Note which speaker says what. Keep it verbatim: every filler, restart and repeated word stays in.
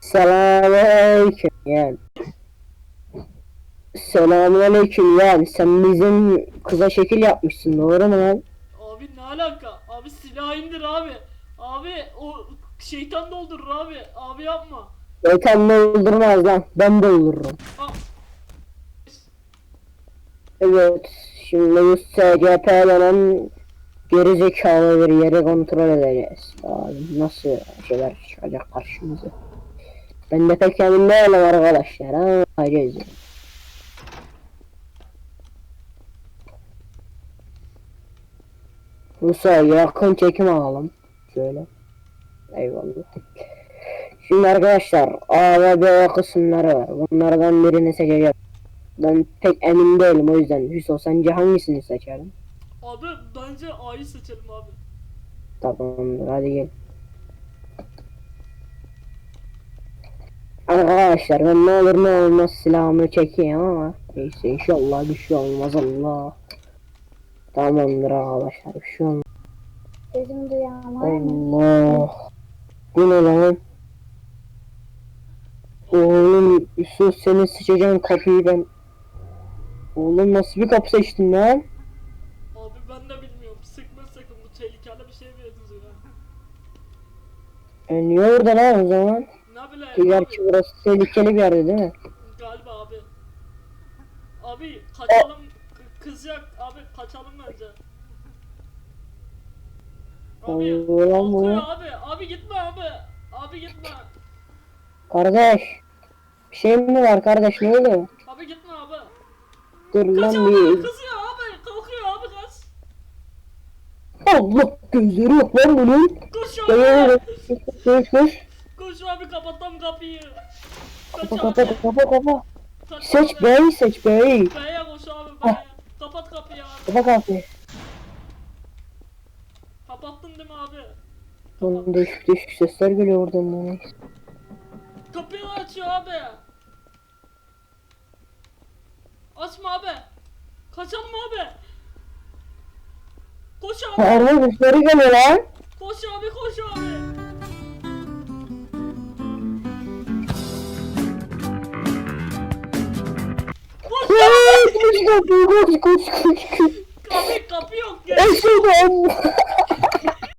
Speaker 1: Selamünaleyküm yani. Selamünaleyküm yani. Sen bizim kıza şekil yapmışsın, doğru mu lan?
Speaker 2: Abi ne alaka? Abi silah indir abi. Abi o şeytan doldurur abi. Abi yapma.
Speaker 1: Şeytan doldurmaz lan. Ben doldururum.
Speaker 2: Aa,
Speaker 1: Evet. Şimdi bu S C P denen gerizekalı bir yeri kontrol edeceğiz. Abi nasıl şeyler çıkacak karşımıza. Ben de pek emin değilim arkadaşlar. Ama bakacağız yani. Musa yakın çekim alalım. Şöyle. Eyvallah. Şimdi arkadaşlar A ve B kısımları var. Bunlardan birini seçeceğim. Ben pek emin değilim, o yüzden. Hüso, sence hangisini seçerim?
Speaker 2: abi bence A'yı seçelim abi.
Speaker 1: Tamamdır, hadi gel. Arkadaşlar ben ne olur ne olmaz silahımı çekeyim ama neyse, inşallah bir şey olmaz. Allah. Tamamdır arkadaşlar, bir şey olmaz.
Speaker 3: Sesimi duyan var mı?
Speaker 1: Allah. Bu ne lan? Oğlum Yusuf, senin sıçacağın kapıyı ben. Oğlum nasıl bir kapı seçtin lan?
Speaker 2: Abi ben de bilmiyorum. Sıkma sakın, bu tehlikeli bir şey benziyor.
Speaker 1: E niye orada lan o zaman?
Speaker 2: Ne bileyim
Speaker 1: Gerçi
Speaker 2: abi.
Speaker 1: burası tehlikeli bir yerde değil mi?
Speaker 2: Galiba abi. Abi kaçalım. K- Kızacak abi, kaçalım bence. Abi
Speaker 1: Ulan bu.
Speaker 2: korkuyor abi. Abi gitme abi. Abi gitme.
Speaker 1: Kardeş. Bir şey mi var kardeş, ne oluyor?
Speaker 2: Abi gitme abi.
Speaker 1: Dur
Speaker 2: Kaç
Speaker 1: lan
Speaker 2: abi,
Speaker 1: bir.
Speaker 2: kızıyor abi. Kalkıyor abi, kaç.
Speaker 1: Allah, gözleri yok lan bunun.
Speaker 2: Koş
Speaker 1: Gel
Speaker 2: abi.
Speaker 1: koş koş koş.
Speaker 2: Koş abi, kapattım kapıyı. Kaç
Speaker 1: Kapa
Speaker 2: abi.
Speaker 1: kapa kapa kapa.
Speaker 2: Kaç
Speaker 1: Seç
Speaker 2: abi.
Speaker 1: bey, seç bey.
Speaker 2: B'ye koş abi, B'ye. Kapat kapıyı abi.
Speaker 1: Kapa kapıyı.
Speaker 2: Kapattın değil mi abi?
Speaker 1: Oğlum değişik değişik sesler geliyor oradan bana.
Speaker 2: Kapıyı açıyor abi. Açma abi. Kaçalım abi. Koş abi.
Speaker 1: Arma sesleri geliyor lan.
Speaker 2: Koş abi, koş abi. Koş
Speaker 1: Koş
Speaker 2: abi.
Speaker 1: koş koş koş koş koş.
Speaker 2: Kapı, kapı yok ya.
Speaker 1: Eşeğim.